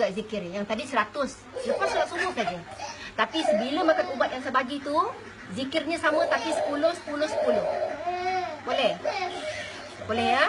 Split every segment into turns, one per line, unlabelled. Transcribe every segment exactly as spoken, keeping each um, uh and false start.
juga zikir. Yang tadi seratus. Lepas solat subuh saja. Tapi sebila makan ubat yang saya bagi tu, zikirnya sama tapi sepuluh, sepuluh, sepuluh. Boleh? Boleh ya?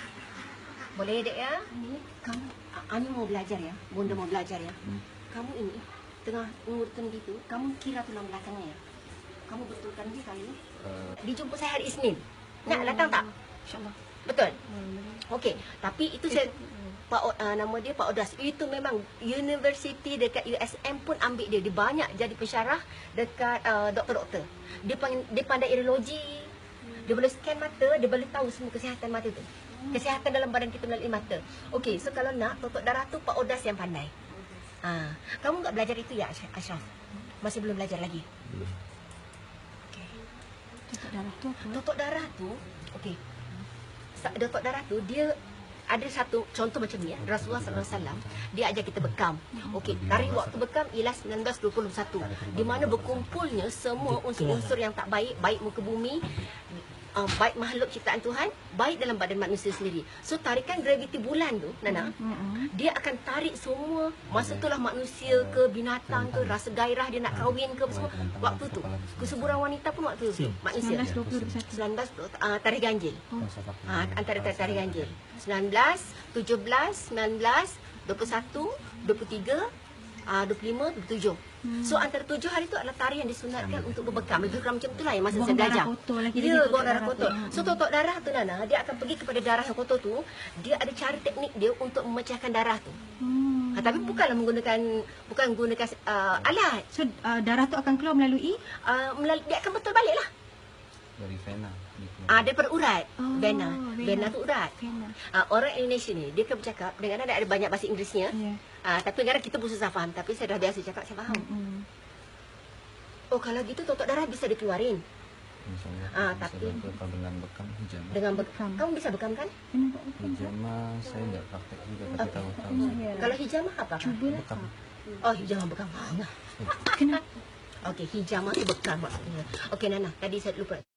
Boleh dek ya? Kamu, Ani mau belajar ya? Bunda mau belajar ya? Kamu ini, tengah ngurutkan gitu, kamu kira tulang belakangnya ya? Kamu betulkan dia kali ni? Uh. Dijemput saya hari Isnin. Nak datang tak? InsyaAllah. Betul? Okey, tapi itu saya... Pak uh, nama dia Pak Odas. Itu memang universiti dekat U S M pun ambil dia. Dia banyak jadi pensyarah dekat uh, doktor-doktor. Dia pandai, dia pandai urologi. Dia boleh scan mata, dia boleh tahu semua kesihatan mata tu. Kesihatan dalam badan kita melalui mata. Okey, so kalau nak totok darah tu Pak Odas yang pandai. Ha, kamu enggak belajar itu ya Ashraf? Masih belum belajar lagi? Belum. Okey. Totok darah tu apa? Totok darah tu, okey. Totok darah tu dia ada satu contoh macam ni ya. Rasulullah sallallahu alaihi wasallam dia ajar kita bekam. Okey, tarikh waktu bekam ialah sembilan belas dua puluh satu. Di mana berkumpulnya semua unsur-unsur yang tak baik, baik muka bumi, uh, baik makhluk ciptaan Tuhan, baik dalam badan manusia sendiri. So tarikan graviti bulan tu, Nana, dia akan tarik semua. Masa itulah manusia ke binatang ke rasa gairah dia nak kahwin ke semua. Waktu tu kesuburan wanita pun waktu tu manusia. sembilan belas uh, tarikh ganjil. Ha, antara tarikh ganjil. sembilan belas, tujuh belas, sembilan belas, dua puluh satu, dua puluh tiga, dua puluh lima, dua puluh tujuh. Hmm. So antara tujuh hari tu adalah tarikh yang disunatkan untuk berbekam. Lebih kurang macam itulah yang masa buang saya belajar. Ya, buang darah kotor. So totok darah tu Nana, dia akan pergi kepada darah yang kotor tu. Dia ada cara teknik dia untuk memecahkan darah tu. Hmm. Ha, tapi bukanlah menggunakan bukan menggunakan uh, alat.
So uh, darah tu akan keluar melalui
uh, melalui dia akan betul baliklah.
Dari vena.
Ah, daripada urat. Oh, vena. Vena tu urat. Ah, orang Indonesia ni, dia kan bercakap, dengan ada banyak bahasa Inggerisnya. Yeah. Ah, tapi kadang kita pun susah faham. Tapi saya dah biasa cakap, saya faham. Mm-hmm. Oh, kalau gitu totok darah bisa dikeluarin.
InsyaAllah.
Ah, tapi
dengan bekam hijamah.
Dengan bekam. Kamu bisa bekam kan?
Hijamah saya enggak praktek juga, tapi
okay.
tahu-tahu.
Oh, yeah. Kalau hijamah apa?
Cuba
bekam.
Oh, hijamah bekam. Kenapa? Okey, hijamah tu bekam maksudnya. Okey Nana, tadi saya lupa.